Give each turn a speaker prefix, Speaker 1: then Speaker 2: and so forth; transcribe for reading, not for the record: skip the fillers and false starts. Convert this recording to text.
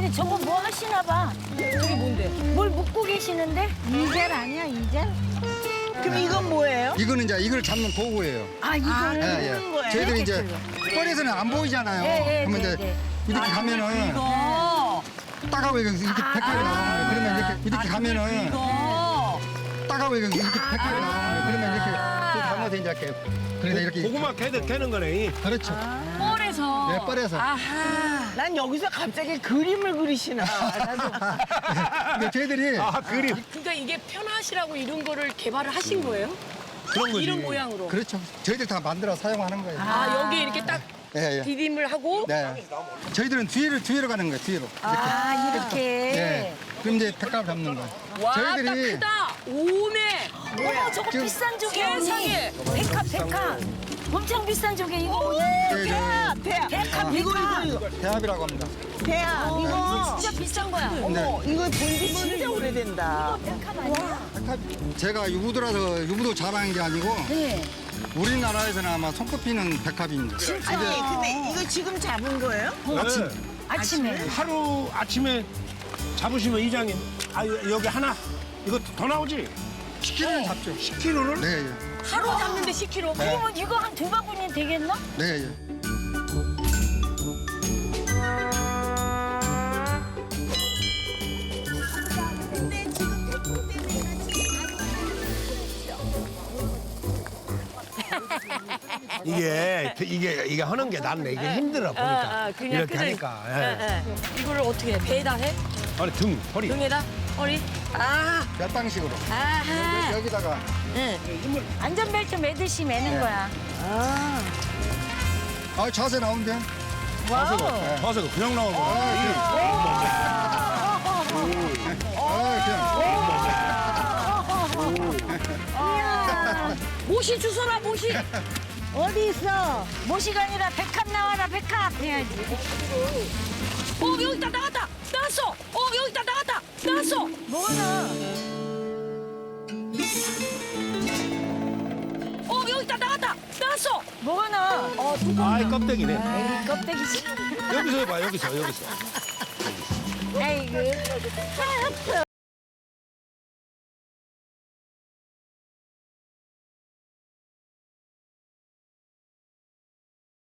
Speaker 1: 아니 저거 뭐 하시나 봐.
Speaker 2: 저게 뭔데?
Speaker 1: 뭘 묶고 계시는데?
Speaker 3: 이젤 아니야, 이젤?
Speaker 4: 그럼 이건 뭐예요?
Speaker 5: 이거는 이제 이걸 잡는 도구예요.
Speaker 1: 아 이거를
Speaker 4: 하는 거예요?
Speaker 5: 저희들이 이제 뻘에서는 안 보이잖아요. 그러면 이제 이렇게 가면은
Speaker 2: 이거.
Speaker 5: 따가워 이렇게 백합이 나오는 거예요. 그러면 이렇게 가면은
Speaker 2: 이거.
Speaker 5: 따가워 이렇게 백합이 나오는 거예요. 그러면 이렇게 담아서 이제 이렇게 그래서 이렇게
Speaker 6: 고구마 캐는 거네.
Speaker 5: 그렇죠.
Speaker 2: 뻘에서.
Speaker 5: 네, 뻘에서.
Speaker 2: 아하.
Speaker 4: 난 여기서 갑자기 그림을 그리시나. 나도.
Speaker 5: 근데 저희들이
Speaker 6: 그림.
Speaker 2: 그러니까 이게 편하시라고 이런 거를 개발을 하신 거예요?
Speaker 6: 그런 거지.
Speaker 2: 이런 모양으로.
Speaker 5: 그렇죠. 저희들 다 만들어 사용하는 거예요.
Speaker 2: 아, 여기 이렇게 딱
Speaker 5: 예, 예.
Speaker 2: 디딤을 하고.
Speaker 5: 네. 저희들은 뒤로 가는 거예요. 뒤로.
Speaker 1: 아 이렇게.
Speaker 5: 네. 그럼 이제 백합 잡는 거예요.
Speaker 2: 와, 딱
Speaker 5: 저희들이
Speaker 2: 크다. 오메.
Speaker 1: 어머 저거
Speaker 5: 지금-
Speaker 1: 비싼 조개 언니.
Speaker 2: 세상에.
Speaker 1: 백합. 엄청 비싼 조개 이거.
Speaker 5: 네, 네.
Speaker 4: 대야.
Speaker 1: 백합
Speaker 4: 이거.
Speaker 5: 대합이라고 합니다.
Speaker 4: 대야. 이거.
Speaker 1: 진짜 비싼 거야.
Speaker 4: 어머, 이거 본지 진짜 오래된다.
Speaker 1: 백합 아니야?
Speaker 5: 백합 제가 유부도라서 유부도 자랑한 게 아니고
Speaker 1: 네.
Speaker 5: 우리나라에서는 아마 손꼽히는 백합입니다.
Speaker 4: 아니, 근데 이거 지금 잡은 거예요?
Speaker 6: 네.
Speaker 1: 아침에.
Speaker 6: 하루 아침에 잡으시면 이장님, 아 여기 하나 이거 더 나오지?
Speaker 5: 10kg는 잡죠.
Speaker 6: 10kg를?
Speaker 5: 네, 예.
Speaker 2: 하루 잡는데 10kg.
Speaker 1: 그러면 이거 한 두 바구니 되겠나?
Speaker 5: 네, 예.
Speaker 6: 이게 하는 게 낫네. 이게 힘들어 보니까
Speaker 2: 그냥
Speaker 6: 이렇게
Speaker 2: 끓여.
Speaker 6: 하니까. 예.
Speaker 2: 이거를 어떻게 해? 배에다 해?
Speaker 6: 아니 등, 허리.
Speaker 2: 등에다? 허리? 아,
Speaker 5: 몇 방식으로.
Speaker 1: 아하.
Speaker 5: 여기다가
Speaker 1: 안전벨트 매듯이 매는
Speaker 5: 네.
Speaker 1: 거야.
Speaker 5: 자세 나오는데.
Speaker 6: 자세가 그냥 나오고.
Speaker 2: 모시 주워라, 모시.
Speaker 1: 어디 있어? 모시가 아니라 백합 나와라 백합 해야지.
Speaker 2: 여기다 나갔다. 나갔어. 여기다 나갔다. 나갔어.
Speaker 1: 뭐가 나?
Speaker 2: 여기다 나갔다. 나갔어.
Speaker 1: 뭐가 나?
Speaker 6: 아이 껍데기네.
Speaker 1: 에이 껍데기지.
Speaker 6: 여기서 해봐, 여기서.
Speaker 1: 아이고.